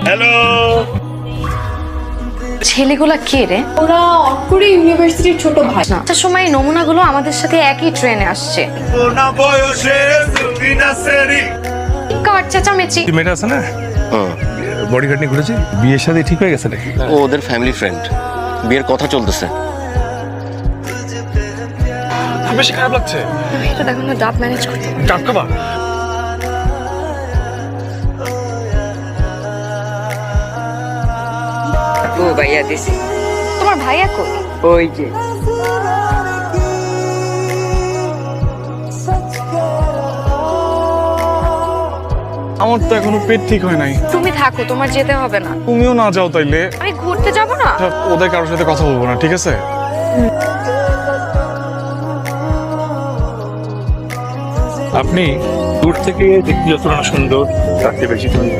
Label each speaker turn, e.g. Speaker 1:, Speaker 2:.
Speaker 1: Hello.
Speaker 2: ছেলেগুলা কে রে?
Speaker 3: ওরা অটকুরি ইউনিভার্সিটির ছোট ভাই।
Speaker 2: একটা সময় এই নমুনাগুলো আমাদের সাথে একই ট্রেনে আসছে। কার চেঁচামেচি?
Speaker 4: মেয়েটা আছে না, বডি গার্ড নিয়ে ঘুরেছে, বিয়ের সাথে ঠিক হয়ে গেছে নাকি?
Speaker 5: ও ওদের ফ্যামিলি ফ্রেন্ড, বিয়ের কথা চলতেছে।
Speaker 4: বেশি খারাপ লাগছে।
Speaker 2: এটা দেখো না, ডাব ম্যানেজ করতে পারে।
Speaker 4: ডাব খাবা?
Speaker 6: ও ভাইয়া দিছি।
Speaker 2: তোমার ভাইয়া কই?
Speaker 6: ওই যে
Speaker 4: আমার তো এখনো পেট ঠিক হয় নাই।
Speaker 2: তুমি থাকো, তোমার যেতে হবে না।
Speaker 4: তুমিও না যাও তাইলে।
Speaker 2: আমি ঘুরতে যাব না।
Speaker 4: ওদের কারোর সাথে কথা বলবো না, ঠিক আছে? আপনি দূর থেকে দেখতে যতটা সুন্দর, তার চেয়ে বেশি সুন্দর।